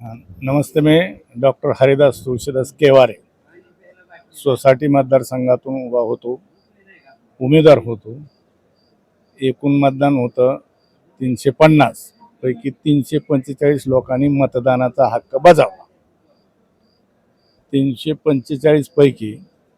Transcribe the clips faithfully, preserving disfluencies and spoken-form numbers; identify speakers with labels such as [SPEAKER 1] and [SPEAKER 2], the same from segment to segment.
[SPEAKER 1] हां, नमस्ते. मी डॉक्टर हरिदास तुळशीदास केवारे सोसायटी मतदारसंघातून उभा होतो, उमेदवार होतो. एकूण मतदान होतं तीनशे पन्नास पैकी तीनशे पंचेचाळीस लोकांनी मतदानाचा हक्क बजावला. तीनशे पंचेचाळीस पैकी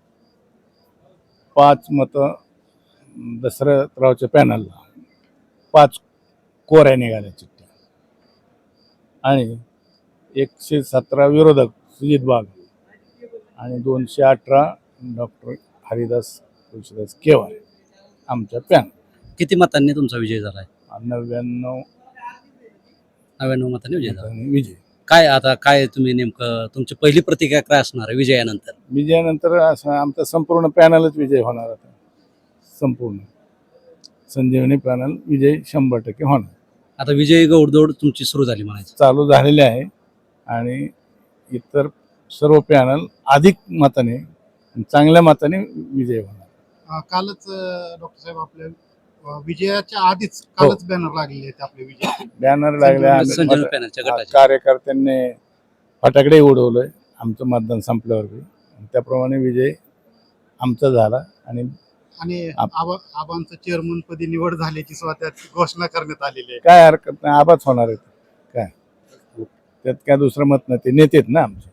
[SPEAKER 1] पाच मतं दशरथरावच्या पॅनलला, पाच कोऱ्या निघाल्या चिठ्ठ्या आणि एकशे सतरा विरोधक सुजित बाग आणि दोनशे अठरा डॉक्टर हरिदास तुळशीदास केवारे आमच्या पॅनल.
[SPEAKER 2] किती मतांनी तुमचा विजय झालाय?
[SPEAKER 1] नव्याण्णव
[SPEAKER 2] नव्याण्णव मतांनी विजय झाला.
[SPEAKER 1] मतांनी विजय.
[SPEAKER 2] काय आता काय तुम्ही नेमकं तुमची पहिली प्रतिक्रिया काय असणार आहे विजयानंतर?
[SPEAKER 1] विजयानंतर असं आमचा संपूर्ण पॅनलच विजय होणार आता. संपूर्ण संजीवनी पॅनल विजय शंभर टक्के होणार.
[SPEAKER 2] आता विजयी गौडदौड तुमची सुरू झाली म्हणायचं.
[SPEAKER 1] चालू झालेले आहे आणि इतर सर्व पॅनल अधिक मताने चांगल्या मताने विजय होणार.
[SPEAKER 3] कालच डॉक्टर साहेब आपल्या अ, विजयाच्या आधीच कालच बॅनर लागलेले आहेत आपले विजय
[SPEAKER 1] बॅनर लागल्या आणि
[SPEAKER 2] संजीवनी
[SPEAKER 1] मत-
[SPEAKER 2] पॅनलच्या
[SPEAKER 1] हा,
[SPEAKER 2] गटाचे.
[SPEAKER 1] कार्यकर्त्यांनी फटाकडे उडवलंय आमचं मतदान संपल्यावर बी. त्याप्रमाणे विजय आमचा झाला आणि
[SPEAKER 3] आणि
[SPEAKER 1] आप-
[SPEAKER 3] आबा आबांचं चेअरमन पदी निवड झाल्याची सुद्धा त्यात घोषणा करण्यात आलेली आहे.
[SPEAKER 1] काय हरकत नाही, आबाच होणार आहे. काय त्यात काय दुसरं मत नाही, ते नेतेत ना आमचे.